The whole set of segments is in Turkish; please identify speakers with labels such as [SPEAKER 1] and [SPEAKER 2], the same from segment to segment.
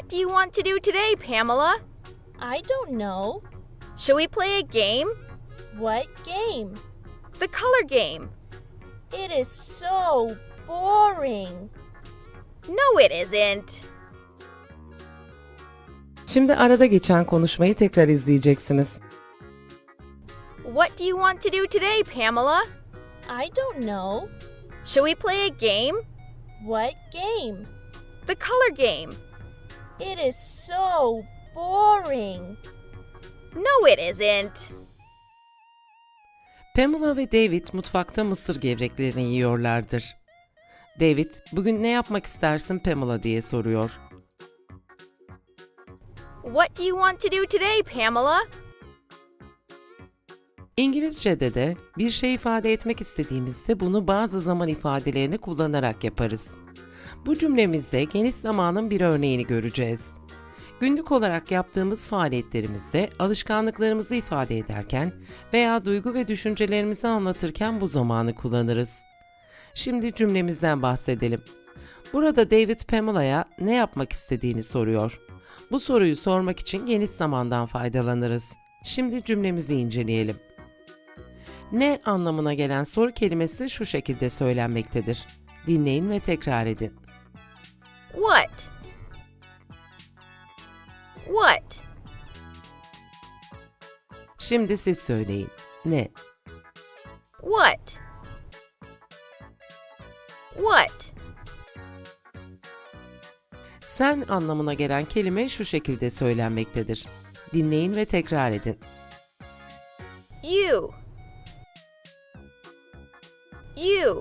[SPEAKER 1] What do you want to do today, Pamela?
[SPEAKER 2] I don't know.
[SPEAKER 1] Shall we play a game?
[SPEAKER 2] What game?
[SPEAKER 1] The color game.
[SPEAKER 2] It is so boring.
[SPEAKER 1] No, it isn't.
[SPEAKER 3] Şimdi arada geçen konuşmayı tekrar izleyeceksiniz.
[SPEAKER 1] What do you want to do today, Pamela?
[SPEAKER 2] I don't know.
[SPEAKER 1] Shall we play a game?
[SPEAKER 2] What game?
[SPEAKER 1] The color game.
[SPEAKER 2] It is so boring.
[SPEAKER 1] No, it isn't.
[SPEAKER 3] Pamela ve David mutfakta mısır gevreklerini yiyorlardır. David, "Bugün ne yapmak istersin Pamela?" diye soruyor.
[SPEAKER 1] What do you want to do today, Pamela?
[SPEAKER 3] İngilizce'de de bir şey ifade etmek istediğimizde bunu bazı zaman ifadelerini kullanarak yaparız. Bu cümlemizde geniş zamanın bir örneğini göreceğiz. Günlük olarak yaptığımız faaliyetlerimizde alışkanlıklarımızı ifade ederken veya duygu ve düşüncelerimizi anlatırken bu zamanı kullanırız. Şimdi cümlemizden bahsedelim. Burada David Pamela'ya ne yapmak istediğini soruyor. Bu soruyu sormak için geniş zamandan faydalanırız. Şimdi cümlemizi inceleyelim. Ne anlamına gelen soru kelimesi şu şekilde söylenmektedir. Dinleyin ve tekrar edin.
[SPEAKER 1] What? What?
[SPEAKER 3] Şimdi siz söyleyin. Ne?
[SPEAKER 1] What? What?
[SPEAKER 3] Sen anlamına gelen kelime şu şekilde söylenmektedir. Dinleyin ve tekrar edin.
[SPEAKER 1] You. You.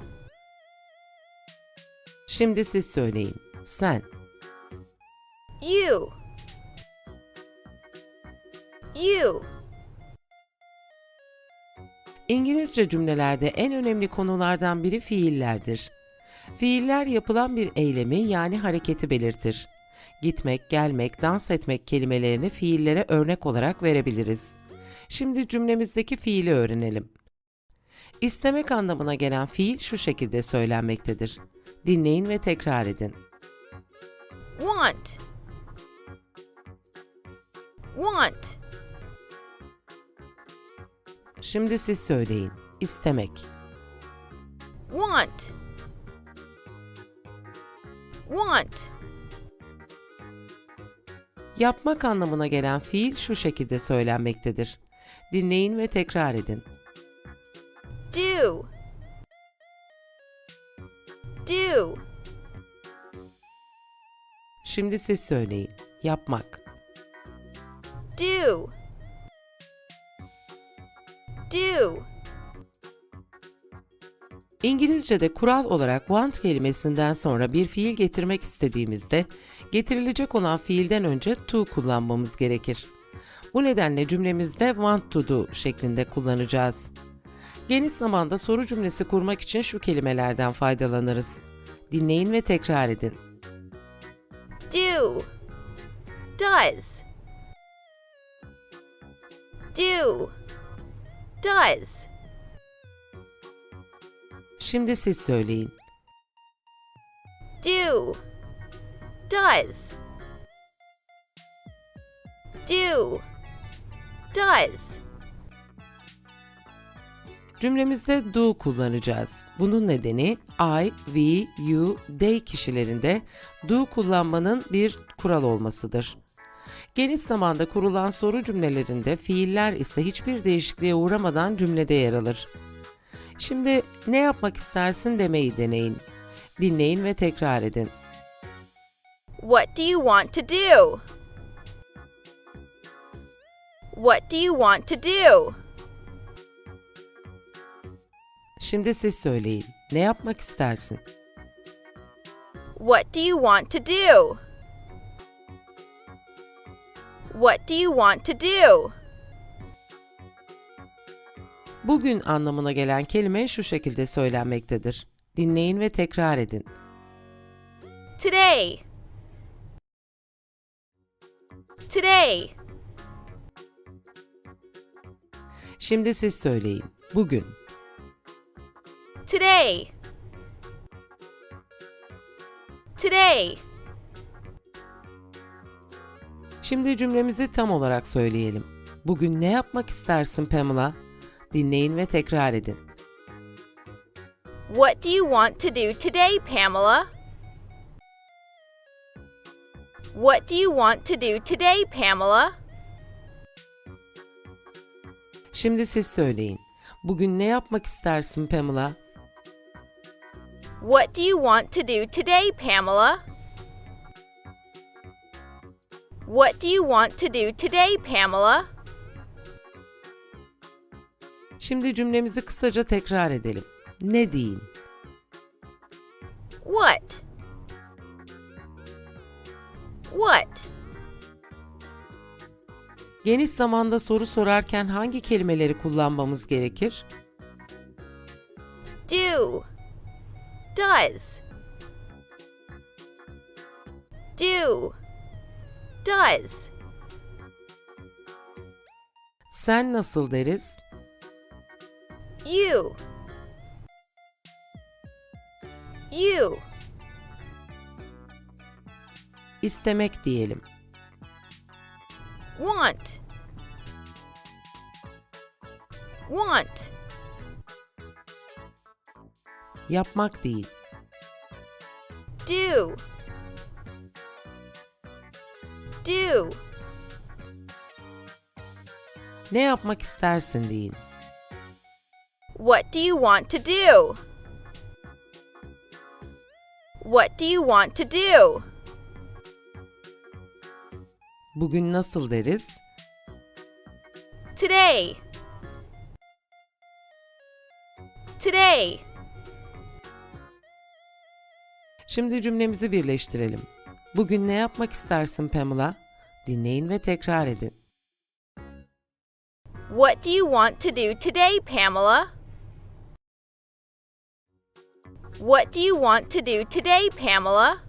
[SPEAKER 3] Şimdi siz söyleyin. Sen.
[SPEAKER 1] You. You.
[SPEAKER 3] İngilizce cümlelerde en önemli konulardan biri fiillerdir. Fiiller yapılan bir eylemi yani hareketi belirtir. Gitmek, gelmek, dans etmek kelimelerini fiillere örnek olarak verebiliriz. Şimdi cümlemizdeki fiili öğrenelim. İstemek anlamına gelen fiil şu şekilde söylenmektedir. Dinleyin ve tekrar edin.
[SPEAKER 1] Want. Want.
[SPEAKER 3] Şimdi siz söyleyin. İstemek.
[SPEAKER 1] Want. Want.
[SPEAKER 3] Yapmak anlamına gelen fiil şu şekilde söylenmektedir. Dinleyin ve tekrar edin.
[SPEAKER 1] Do. Do.
[SPEAKER 3] Şimdi siz söyleyin. Yapmak.
[SPEAKER 1] Do. Do.
[SPEAKER 3] İngilizce'de kural olarak want kelimesinden sonra bir fiil getirmek istediğimizde getirilecek olan fiilden önce to kullanmamız gerekir. Bu nedenle cümlemizde want to do şeklinde kullanacağız. Geniş zamanda soru cümlesi kurmak için şu kelimelerden faydalanırız. Dinleyin ve tekrar edin.
[SPEAKER 1] Do. Does. Do. Does.
[SPEAKER 3] Şimdi siz söyleyin.
[SPEAKER 1] Do. Does. Do. Does.
[SPEAKER 3] Cümlemizde do kullanacağız. Bunun nedeni I, we, you, they kişilerinde do kullanmanın bir kural olmasıdır. Geniş zamanda kurulan soru cümlelerinde fiiller ise hiçbir değişikliğe uğramadan cümlede yer alır. Şimdi ne yapmak istersin demeyi deneyin. Dinleyin ve tekrar edin.
[SPEAKER 1] What do you want to do? What do you want to do?
[SPEAKER 3] Şimdi siz söyleyin. Ne yapmak istersin?
[SPEAKER 1] What do you want to do? What do you want to do?
[SPEAKER 3] Bugün anlamına gelen kelime şu şekilde söylenmektedir. Dinleyin ve tekrar edin.
[SPEAKER 1] Today. Today.
[SPEAKER 3] Şimdi siz söyleyin. Bugün.
[SPEAKER 1] Today. Today.
[SPEAKER 3] Şimdi cümlemizi tam olarak söyleyelim. Bugün ne yapmak istersin Pamela? Dinleyin ve tekrar edin.
[SPEAKER 1] What do you want to do today, Pamela? What do you want to do today, Pamela?
[SPEAKER 3] Şimdi siz söyleyin. Bugün ne yapmak istersin Pamela?
[SPEAKER 1] What do you want to do today, Pamela? What do you want to do today, Pamela?
[SPEAKER 3] Şimdi cümlemizi kısaca tekrar edelim. Ne deyin?
[SPEAKER 1] What? What?
[SPEAKER 3] Geniş zamanda soru sorarken hangi kelimeleri kullanmamız gerekir?
[SPEAKER 1] Do. Does. Do. Does.
[SPEAKER 3] Sen nasıl deriz?
[SPEAKER 1] You. You.
[SPEAKER 3] İstemek diyelim.
[SPEAKER 1] Want. Want.
[SPEAKER 3] Yapmak değil.
[SPEAKER 1] Do. Do.
[SPEAKER 3] Ne yapmak istersin deyin.
[SPEAKER 1] What do you want to do? What do you want to do?
[SPEAKER 3] Bugün nasıl deriz?
[SPEAKER 1] Today. Today.
[SPEAKER 3] Şimdi cümlemizi birleştirelim. Bugün ne yapmak istersin Pamela? Dinleyin ve tekrar edin.
[SPEAKER 1] What do you want to do today, Pamela? What do you want to do today, Pamela?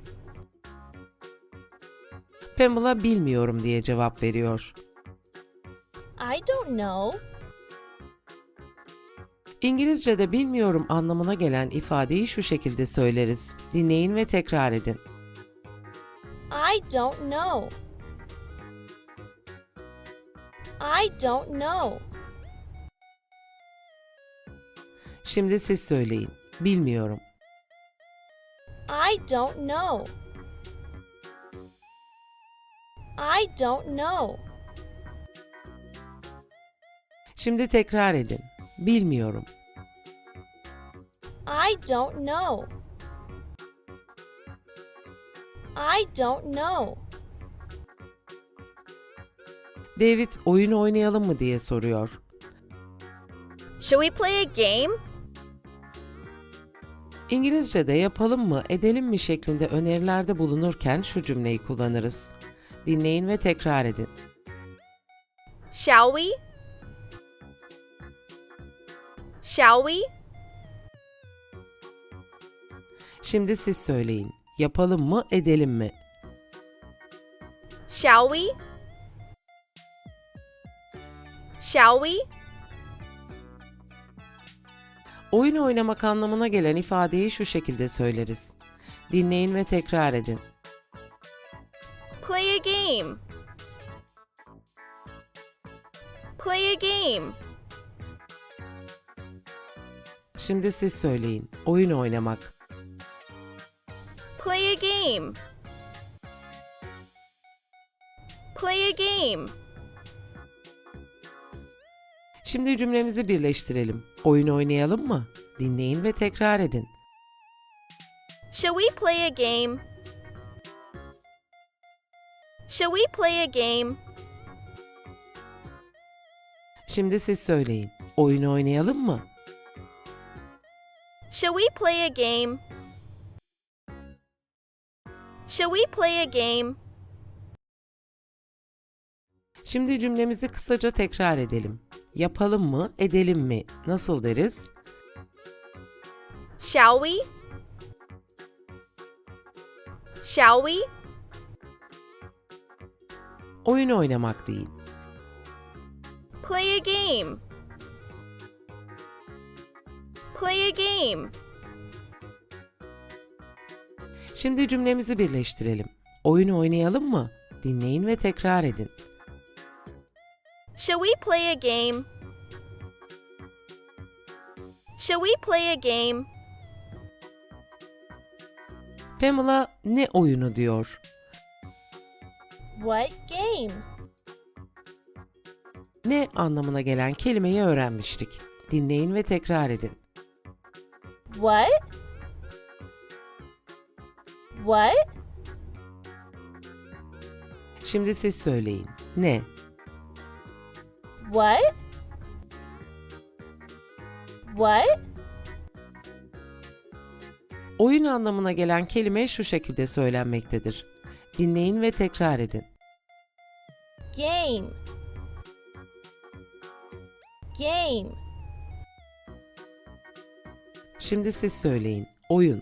[SPEAKER 3] Pamela bilmiyorum diye cevap veriyor.
[SPEAKER 2] I don't know.
[SPEAKER 3] İngilizce'de bilmiyorum anlamına gelen ifadeyi şu şekilde söyleriz. Dinleyin ve tekrar edin.
[SPEAKER 2] I don't know. I don't know.
[SPEAKER 3] Şimdi siz söyleyin. Bilmiyorum.
[SPEAKER 2] I don't know. I don't know.
[SPEAKER 3] Şimdi tekrar edin. Bilmiyorum.
[SPEAKER 2] I don't know. I don't know.
[SPEAKER 3] David oyun oynayalım mı diye soruyor.
[SPEAKER 1] Shall we play a game?
[SPEAKER 3] İngilizce'de yapalım mı, edelim mi şeklinde önerilerde bulunurken şu cümleyi kullanırız. Dinleyin ve tekrar edin.
[SPEAKER 1] Shall we? Shall we?
[SPEAKER 3] Şimdi siz söyleyin. Yapalım mı, edelim mi?
[SPEAKER 1] Shall we? Shall we?
[SPEAKER 3] Oyun oynamak anlamına gelen ifadeyi şu şekilde söyleriz. Dinleyin ve tekrar edin.
[SPEAKER 1] Play a game. Play a game.
[SPEAKER 3] Şimdi siz söyleyin. Oyun oynamak.
[SPEAKER 1] Play a game. Play a game.
[SPEAKER 3] Şimdi cümlemizi birleştirelim. Oyun oynayalım mı? Dinleyin ve tekrar edin.
[SPEAKER 1] Shall we play a game? Shall we play a game?
[SPEAKER 3] Şimdi siz söyleyin. Oyun oynayalım mı?
[SPEAKER 1] Shall we play a game? Shall we play a game?
[SPEAKER 3] Şimdi cümlemizi kısaca tekrar edelim. Yapalım mı, edelim mi? Nasıl deriz?
[SPEAKER 1] Shall we? Shall we?
[SPEAKER 3] Oyun oynamak değil.
[SPEAKER 1] Play a game. Play a game.
[SPEAKER 3] Şimdi cümlemizi birleştirelim. Oyun oynayalım mı? Dinleyin ve tekrar edin.
[SPEAKER 1] Shall we play a game? Shall we play a game?
[SPEAKER 3] Pamela ne oyunu diyor.
[SPEAKER 2] What game?
[SPEAKER 3] Ne anlamına gelen kelimeyi öğrenmiştik. Dinleyin ve tekrar edin.
[SPEAKER 2] What? What?
[SPEAKER 3] Şimdi siz söyleyin. Ne?
[SPEAKER 2] What? What?
[SPEAKER 3] Oyun anlamına gelen kelime şu şekilde söylenmektedir. Dinleyin ve tekrar edin.
[SPEAKER 2] Game. Game.
[SPEAKER 3] Şimdi siz söyleyin. Oyun.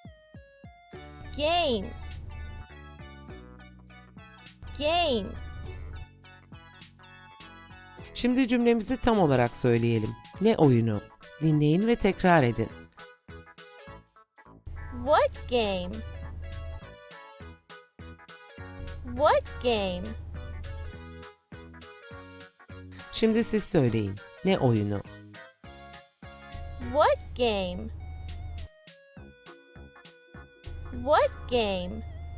[SPEAKER 2] Game. Game.
[SPEAKER 3] Şimdi cümlemizi tam olarak söyleyelim. Ne oyunu? Dinleyin ve tekrar edin.
[SPEAKER 2] What game? What game?
[SPEAKER 3] Şimdi siz söyleyin. Ne oyunu?
[SPEAKER 2] What game? What game?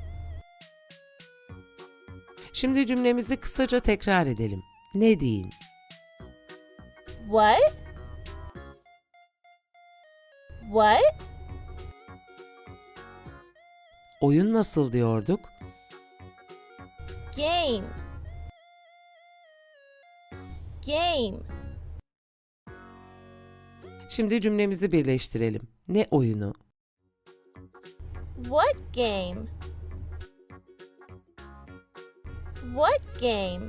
[SPEAKER 3] Şimdi cümlemizi kısaca tekrar edelim. Ne deyin?
[SPEAKER 2] What? What?
[SPEAKER 3] Oyun nasıl diyorduk?
[SPEAKER 2] Game. Game.
[SPEAKER 3] Şimdi cümlemizi birleştirelim. Ne oyunu?
[SPEAKER 2] What game? What game?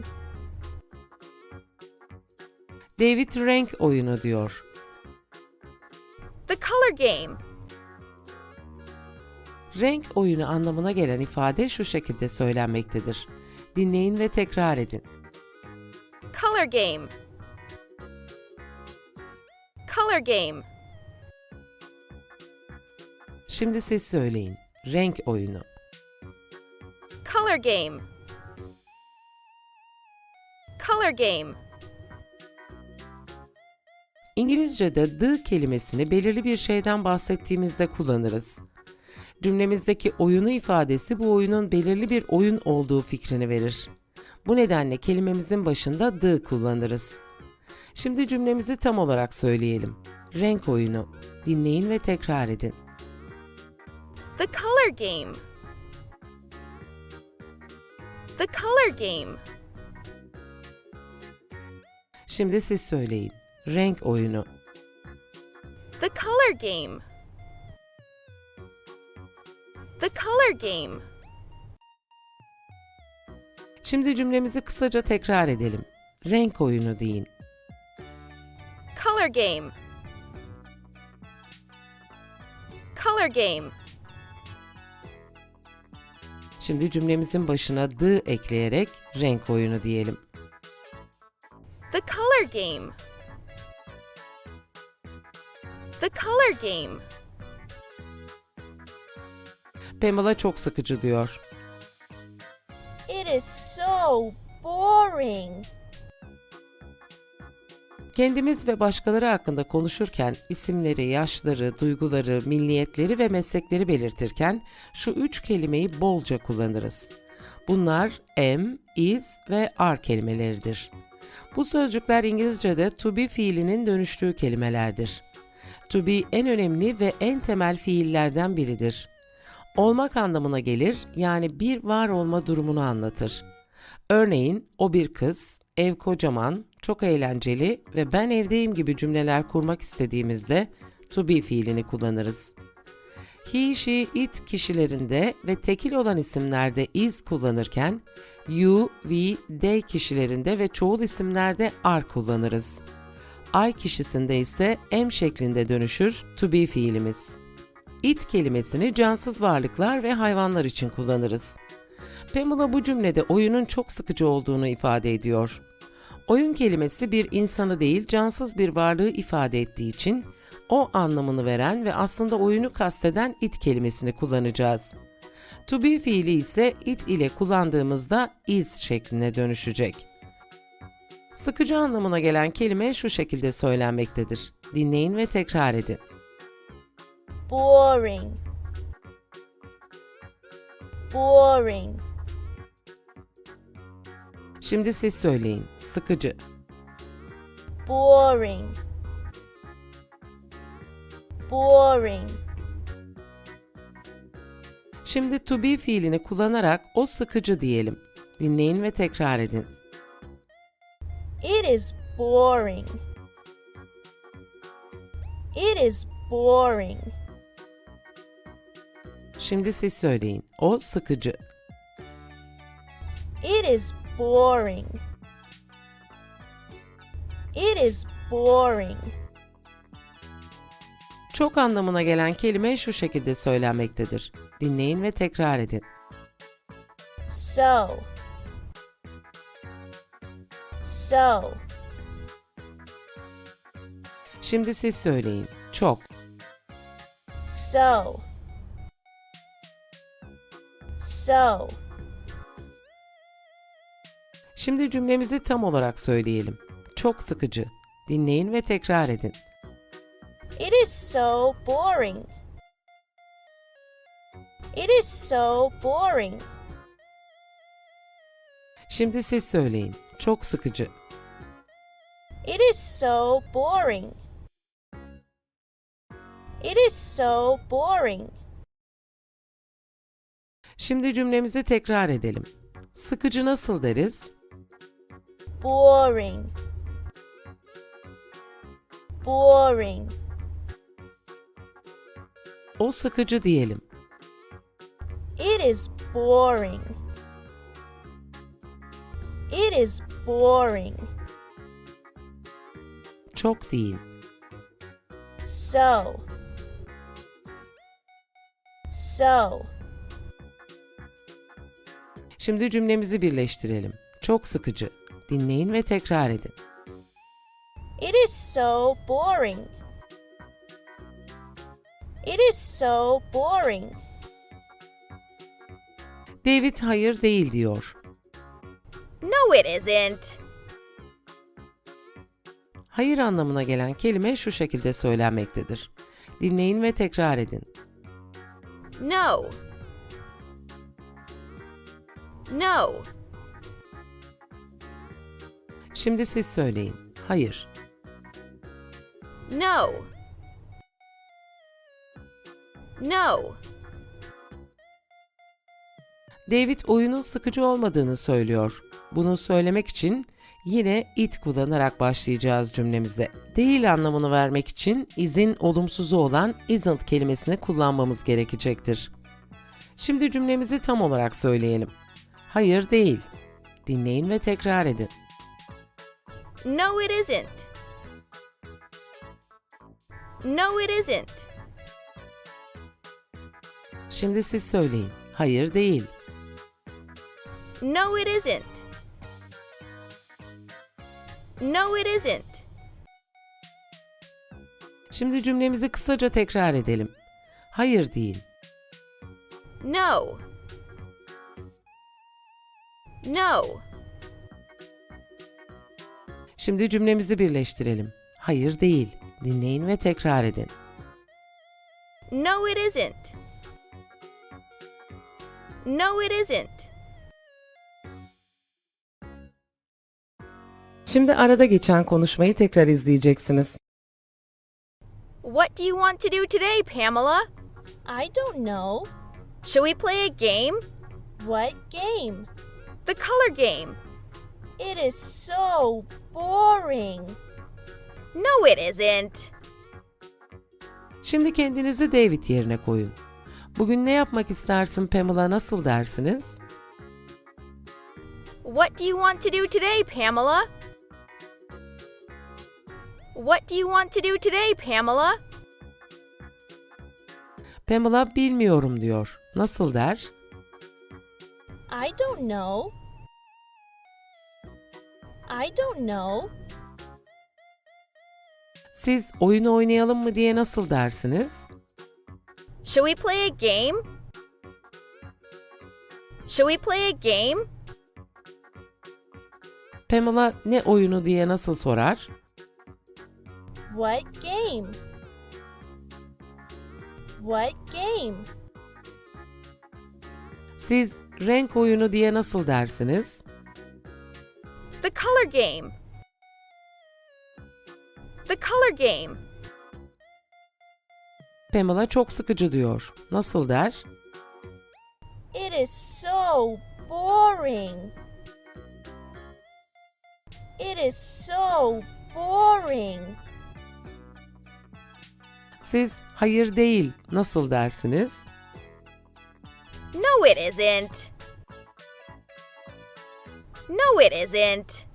[SPEAKER 3] David renk oyunu diyor.
[SPEAKER 1] The color game.
[SPEAKER 3] Renk oyunu anlamına gelen ifade şu şekilde söylenmektedir. Dinleyin ve tekrar edin.
[SPEAKER 1] Color game. Color game.
[SPEAKER 3] Şimdi siz söyleyin. Renk oyunu.
[SPEAKER 1] Color game. Color game.
[SPEAKER 3] İngilizce'de the kelimesini belirli bir şeyden bahsettiğimizde kullanırız. Cümlemizdeki oyunu ifadesi bu oyunun belirli bir oyun olduğu fikrini verir. Bu nedenle kelimemizin başında the kullanırız. Şimdi cümlemizi tam olarak söyleyelim. Renk oyunu. Dinleyin ve tekrar edin.
[SPEAKER 1] The color game. The color game.
[SPEAKER 3] Şimdi siz söyleyin. Renk oyunu.
[SPEAKER 1] The color game. The color game.
[SPEAKER 3] Şimdi cümlemizi kısaca tekrar edelim. Renk oyunu deyin.
[SPEAKER 1] Color game. Color game.
[SPEAKER 3] Şimdi cümlemizin başına the ekleyerek renk oyunu diyelim.
[SPEAKER 1] The color game. The color game.
[SPEAKER 3] Pamela çok sıkıcı diyor.
[SPEAKER 2] It is so boring.
[SPEAKER 3] Kendimiz ve başkaları hakkında konuşurken isimleri, yaşları, duyguları, milliyetleri ve meslekleri belirtirken şu üç kelimeyi bolca kullanırız. Bunlar am, is ve are kelimeleridir. Bu sözcükler İngilizce'de to be fiilinin dönüştüğü kelimelerdir. To be en önemli ve en temel fiillerden biridir. Olmak anlamına gelir, yani bir var olma durumunu anlatır. Örneğin, o bir kız, ev kocaman, çok eğlenceli ve ben evdeyim gibi cümleler kurmak istediğimizde to be fiilini kullanırız. He, she, it kişilerinde ve tekil olan isimlerde is kullanırken, you, we, they kişilerinde ve çoğul isimlerde are kullanırız. I kişisinde ise am şeklinde dönüşür to be fiilimiz. It kelimesini cansız varlıklar ve hayvanlar için kullanırız. Pamela bu cümlede oyunun çok sıkıcı olduğunu ifade ediyor. Oyun kelimesi bir insanı değil, cansız bir varlığı ifade ettiği için o anlamını veren ve aslında oyunu kasteden it kelimesini kullanacağız. To be fiili ise it ile kullandığımızda is şekline dönüşecek. Sıkıcı anlamına gelen kelime şu şekilde söylenmektedir. Dinleyin ve tekrar edin.
[SPEAKER 2] Boring. Boring.
[SPEAKER 3] Şimdi siz söyleyin. Sıkıcı.
[SPEAKER 2] Boring. Boring.
[SPEAKER 3] Şimdi to be fiilini kullanarak o sıkıcı diyelim. Dinleyin ve tekrar edin.
[SPEAKER 2] It is boring. It is boring.
[SPEAKER 3] Şimdi siz söyleyin. O sıkıcı.
[SPEAKER 2] It is boring. It is boring.
[SPEAKER 3] Çok anlamına gelen kelime şu şekilde söylenmektedir. Dinleyin ve tekrar edin.
[SPEAKER 2] So. So.
[SPEAKER 3] Şimdi siz söyleyin. Çok.
[SPEAKER 2] So. So.
[SPEAKER 3] Şimdi cümlemizi tam olarak söyleyelim. Çok sıkıcı. Dinleyin ve tekrar edin.
[SPEAKER 2] It is so boring. It is so boring.
[SPEAKER 3] Şimdi siz söyleyin. Çok sıkıcı.
[SPEAKER 2] It is so boring. It is so boring.
[SPEAKER 3] Şimdi cümlemizi tekrar edelim. Sıkıcı nasıl deriz?
[SPEAKER 2] Boring. Boring.
[SPEAKER 3] O sıkıcı diyelim.
[SPEAKER 2] It is boring. It is boring.
[SPEAKER 3] Çok değil.
[SPEAKER 2] So. So.
[SPEAKER 3] Şimdi cümlemizi birleştirelim. Çok sıkıcı. Dinleyin ve tekrar edin.
[SPEAKER 2] It is so boring. It is so boring.
[SPEAKER 3] David hayır değil diyor.
[SPEAKER 1] No, it isn't.
[SPEAKER 3] Hayır anlamına gelen kelime şu şekilde söylenmektedir. Dinleyin ve tekrar edin.
[SPEAKER 1] No. No.
[SPEAKER 3] Şimdi siz söyleyin. Hayır.
[SPEAKER 1] No. No.
[SPEAKER 3] David oyunun sıkıcı olmadığını söylüyor. Bunu söylemek için yine it kullanarak başlayacağız cümlemize. Değil anlamını vermek için is'in olumsuzu olan isn't kelimesini kullanmamız gerekecektir. Şimdi cümlemizi tam olarak söyleyelim. Hayır değil. Dinleyin ve tekrar edin.
[SPEAKER 1] No, it isn't. No, it isn't.
[SPEAKER 3] Şimdi siz söyleyin. Hayır değil.
[SPEAKER 1] No, it isn't. No, it isn't.
[SPEAKER 3] Şimdi cümlemizi kısaca tekrar edelim. Hayır değil.
[SPEAKER 1] No. No.
[SPEAKER 3] Şimdi cümlemizi birleştirelim. Hayır değil. Dinleyin ve tekrar edin.
[SPEAKER 1] No, it isn't. No, it isn't.
[SPEAKER 3] Şimdi arada geçen konuşmayı tekrar izleyeceksiniz.
[SPEAKER 1] What do you want to do today, Pamela?
[SPEAKER 2] I don't know.
[SPEAKER 1] Shall we play a game?
[SPEAKER 2] What game?
[SPEAKER 1] The color game.
[SPEAKER 2] It is so boring.
[SPEAKER 1] No, it isn't.
[SPEAKER 3] Şimdi kendinizi David yerine koyun. Bugün ne yapmak istersin Pamela, nasıl dersiniz?
[SPEAKER 1] What do you want to do today, Pamela? What do you want to do today, Pamela?
[SPEAKER 3] Pamela bilmiyorum diyor. Nasıl der?
[SPEAKER 2] I don't know. I don't know.
[SPEAKER 3] Siz oyun oynayalım mı diye nasıl dersiniz?
[SPEAKER 1] Shall we play a game? Shall we play a game?
[SPEAKER 3] Pamela ne oyunu diye nasıl sorar?
[SPEAKER 2] What game? What game?
[SPEAKER 3] Siz renk oyunu diye nasıl dersiniz?
[SPEAKER 1] The color game. The color game.
[SPEAKER 3] Pamela çok sıkıcı diyor. Nasıl der?
[SPEAKER 2] It is so boring. It is so boring.
[SPEAKER 3] Siz hayır değil nasıl dersiniz?
[SPEAKER 1] No, it isn't. No, it isn't.